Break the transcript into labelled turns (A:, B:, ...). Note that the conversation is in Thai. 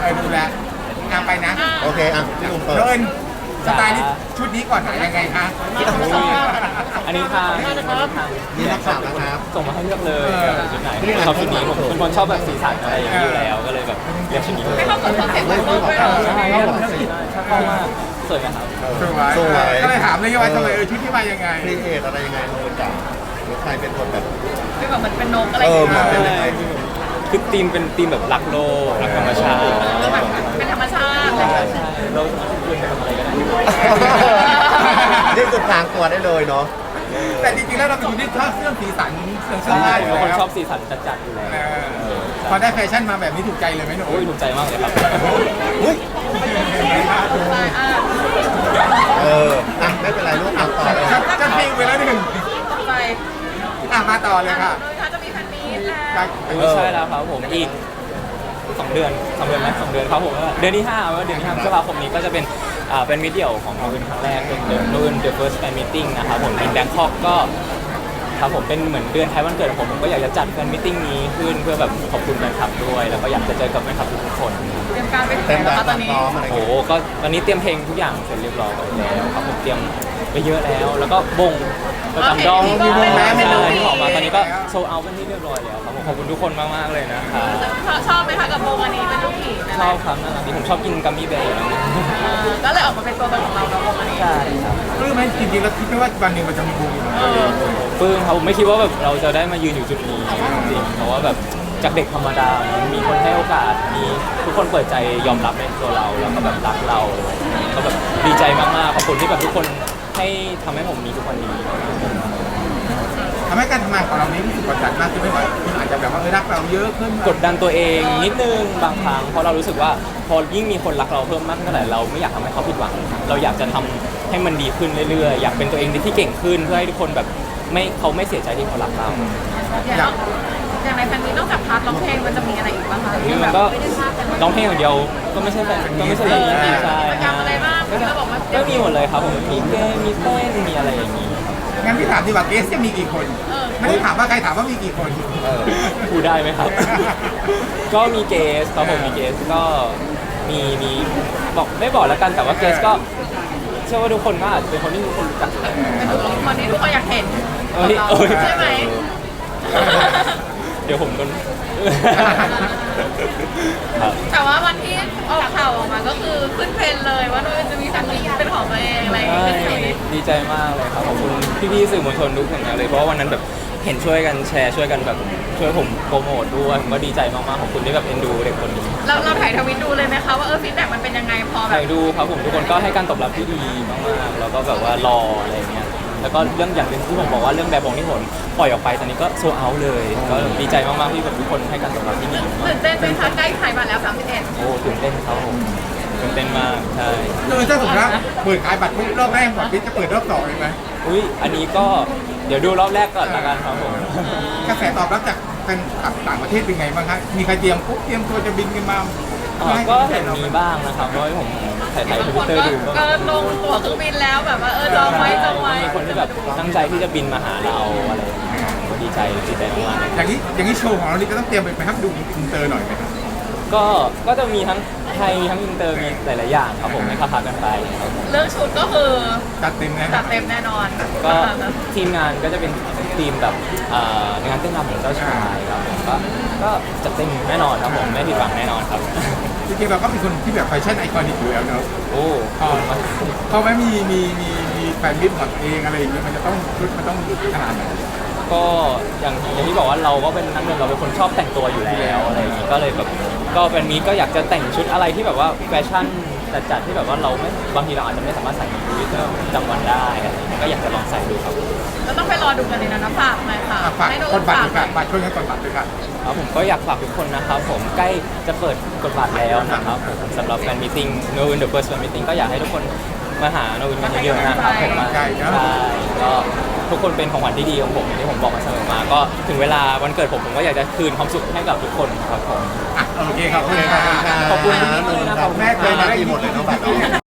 A: ดูแลไปนะ
B: โอเคอ่ะพี่หนุ่มเปิด
A: เดินสไตล์นี้ชุดนี้ก่อนหายังไงคะ
C: อันนี้ทาง
B: นี่นักข่าวนะครับ
C: ส่งมาให้เลือกเลยชุดไหนชอบชุดนี้ผมเป็นคนชอบแบบสีสันอะไรอย่างนี้อยู่แล้วก็เลยแบบเลือกชุดนี้
D: ไม่เข้ากับคอนเซ็ปต์ของโลกด้วยเหรอ
C: ใช่ครับชอบมากสวยไหมครับ
A: สวยก็เลยถามเลยว่าทำไมชุดที่มายังไง
B: ครีเอทอะไรยังไงโนจ่าหรือใครเป็นคนแบบ
D: คือแบบมันเป็นนกอะไรอ
B: เอย่าง อ
D: เงี้
B: มัน
D: ย
B: เป็นยังไง
C: คือธีมเป็นธีมแบบรักโลกรักธรรมชาติ
D: แบบเป็นธรรมชาติ
C: ใช่ใช่เราสามารถคุยกันทำอะไรก็ได้
B: นี่คือพรางตัวได้เลยเนาะ
A: แต่จริงๆแล้วเราเป็นคนที่ชอบเสื้อสีสันเสื้อ
C: ใช่
A: ผ้าอยู่
C: เป็นคน
A: แล้ว
C: ชอบสีสันจัดๆอยู่แล้ว
A: พอได้แฟชั่นมาแบบนี้ถูกใจเลยไหมหนู
C: โอ้ยถูกใจมากเลยครับ
B: อุ้ย
D: อ่า
B: อ่ะไม่เป็นไรลูกอ่ะต่อเลย
A: จะพิงไปแล้วหนึ่ง
D: ต่อไป
A: มาต่อเลยค่ะ
D: โดยเขาจะมีแฟนมีตแล้ว
C: ไม่ใช่แล้วครับผมอีก2 เดือนไหม2 เดือนครับผมเดือนที่5ว่าเดือนที่5พฤษภาคมนี้ก็จะเป็นมิตรเดี่ยวของโนอื่นครั้งแรกเป็นโนอื่น The First Fan Meeting นะครับผมในแบงคอกก็ครับผมเป็นเหมือนเดือนท้ายวันเกิดผมก็อยากจะจัดแฟนมิทติ้งนี้ขึ้นเพื่อแบบขอบคุณแฟนคลับด้วยแล้วก็อยากจะเจอกับแฟนคลับทุกๆคน
D: เตรียมการไปถึงไห
B: เต็ม
D: น
B: แบ
D: แล้ว
B: บ
D: คะต
B: ตา
D: อน
B: ม
D: นี้
B: ซ้อมอะไร
C: โอ้
B: เงี้ย
C: โหก็ตอนนี้เตรียมเพลงทุกอย่างเสร็จเรียบร้อยแล้วครับผมเตรียมไปเยอะแล้วแล้วก็บงประจำดองที่ออกมาตอนนี้ก็โซเอาเป็นที่เรียบร้อยแล้วครับผมขอบคุณทุกคนมากๆเลยนะครับ
D: ชอบไหมคะกับวงอันนี้เป็นลูกผีนะ
C: ชอบครับน่ารักดีผมชอบกินกัมมี่แบร์
D: ก็เลยออกมาเป็นตัวตนของเราแล้ววงอันนี้
C: ใช่ครับ
A: ปลื้มไหมจริงๆเราคิดไหมว่าวันหนึ่งมันจะมีวง
C: ปลื้มครับผมไม่คิดว่าแบบเราจะได้มายืนอยู่จุดนี้จริงๆเพราะว่าแบบจากเด็กธรรมดามันมีคนให้โอกาสมีทุกคนเปิดใจยอมรับในตัวเราแล้วก็แบบรักเราก็แบบดีใจมากๆขอบคุณที่แบบทุกคนให้ทำให้ผมมีทุกวันนี้
A: ทำให้การทำงานของเรานี้รู้สึกกดดันมากขึ้นไหมว่าคุณอาจจะแบบว่ารักเราเยอะขึ้น
C: กดดันตัวเองนิดนึงบางครั้งเพราะเรารู้สึกว่าพอยิ่งมีคนรักเราเพิ่มมากเท่าไหร่เราไม่อยากทำให้เขาผิดหวังเราอยากจะทำให้มันดีขึ้นเรื่อยๆอยากเป็นตัวเองที่เก่งขึ้นเพื่อให้ทุกคนแบบเขาไม่เสียใจที่เขารักเรา
D: อย่างในแฟนมีนอกจากพาร์ทร้องเพลงมันจะมีอะไรอีกบ้างคะ
C: นี่มันก็ร้องเพลงอย่างเดียวก็ไม่ใช่แบบก็ไม่ใช่แบบนี้ใช่
D: กิจกรรมอะไรบ้างเราบอกว่า
C: ก็มีหมดเลยครับผมมีเกมมีเต้นมีอะไรอย่างนี้
A: งั้นพี่ถามดีกว่าเกสจะมีกี่คน ไม่ได้ถามว่าใครถามว่ามีกี่คน
C: พูดได้ไหมครับ ก็มีเกสครับผมมีเกสก็มีบอกไม่บอกแล้วกันแต่ว่าเกสก็เชื่อว่าทุกคนก็อาจจะเป็นคนที่ทุกคนรู้จัก
D: เป็นคนที่ทุกคนอยากเห็นใช่ไหม
C: เดี๋ยวผมโดนครับ
D: แต่ว่าวันที่ออกข่าวออกมาก็คือขึ้นเทรนด์เลยว่าจะมีแฟนมีเป็นของตัวเองอะไรอย่างเงี้ย
C: ดีใจมากเลยครับขอบคุณพี่ๆสื่อมวลชนทุกคนเลยเพราะว่าวันนั้นแบบเห็นช่วยกันแชร์ช่วยกันแบบช่วยผมโปรโมทด้วยผมก็ดีใจมากๆขอบคุณที่แบบเอ็นดูเด็กคนนี้
D: เราถ่ายทวิตดูเลยไหมคะว่าฟีดแบ็กมันเป็นยังไงพอแบ
C: ใคร
D: บ
C: ดูครับผมทุกคนก็ให้การตอบรับที่ดีมากๆแล้วก็แบบว่ารออะไรอย่างเงี้ยแล้วก็เรื่องอย่างหนึ่งที่ผมบอกว่าเรื่องแบบบงที่ผมปล่อยออกไปตอนนี้ก็โซเอาเลยก็ดีใจมากๆที่แบบทุกคนให้การตอบรับที่ดีมาก
D: ตื่นเต้นไหมคะใกล้ถ่ายมาแล้ว31
C: โอ้ตื่นเต้นครับผมตื่นเต้นมากใช่
A: คือถ้าสมมติว่าเปิดขายบัตรปุ๊บรอบแรกหมดพี่จะเปิดรอบ2เลยไหม
C: อุ้ยอันนี้ก็เดี๋ยวดูรอบแรกก่อนละกันครับผม
A: กระแสตอบรับจากแฟนคลับต่างประเทศเป็นไงบ้างครับมีใครเตรียมตัวจะบินกันมา
C: ก็เห็นมีบ้างนะครับเพราะว่าผมถ่าย
D: บาง
C: ท
D: ค
C: วิต
D: น
C: เตอร์ดู
D: ก็ลงตั๋วเครื่องบินแล้วแบบว่าจองไว้จองไว้
C: มีคนที่แบบตั้งใจที่จะบินมาหาเราอะไรอย่างเงี้ยก็ดีใจมากๆเลย
A: อย่างนี้โชว์ของเรานี่ก็ต้องเตรียมไปครับดูอินเตอร์หน่อยไหมครับ
C: ก็จะมีทั้งไทยมีทั้งอินเตอร์มีหลายๆอย่างครับผมให้พักกันไปครับผม
D: เรื่องชุดก็คือ
A: จัดเต็มนะ
D: จัดเต็มแน่นอน
C: ก็ทีมงานก็จะเป็นทีมแบบงานเต้นรำของเจ้าชายครับผมก็จัดเต็มแน่นอนครับผมไม่ผิดหวังแน่นอนครับ
A: จริงๆเราก็เป็นคนที่แบบแฟชั่นไอคอนิกอยู่แล้วเนอะ
C: โอ้
A: พอไม่มีแฟนมิตรของตัวเองอะไรอย่างเงี้ยมันจะต้องชุดมันต้องขนาดไหน
C: ก็อย่างที่บอกว่าเราก็เป็นนักเรียนเราเป็นคนชอบแต่งตัวอยู่แล้วอะไรอย่างงี้ก็เลยแบบก็เป็นมีก็อยากจะแต่งชุดอะไรที่แบบว่าแฟชั่นจัดที่แบบว่าเราไม่บางทีเราอาจจะไม่สามารถใส่ในชีวิตประจำวันได้อะไรอย่างเงี้ยก็อยากจะลองใส่ดูครับ
D: ก็ต้องไปรอดูกันเลยนะฝากหน่อยค่ะ
A: ฝาก
D: ให้น้อง
A: กดบัตร
D: ฝาก
A: ด้วยค่ะบัตรช่วยกันกดบัตรด้วยค่ะ
C: ครับผมก็อยากฝากทุกคนนะครับผมใกล้จะเปิดกฎบัตรแล้วนะครับผมสำหรับแฟนมีตติ้ง No Win The First Fan Meeting ก็อยากให้ทุกคนมาหา No Win กันเยอะๆนะครับผมมาใช่ก็ทุกคนเป็นของขวัญที่ดีของผมอย่างที่ผมบอกมาเสมอมาก็ถึงเวลาวันเกิดผมก็อยากจะคืนความสุขให้กับทุกคนครับผม
A: โอเคครับขอบคุณครับ
C: ขอบคุณมากเลยนะครับ
A: แม่เคยมาได้หมดเลยน้องบัตร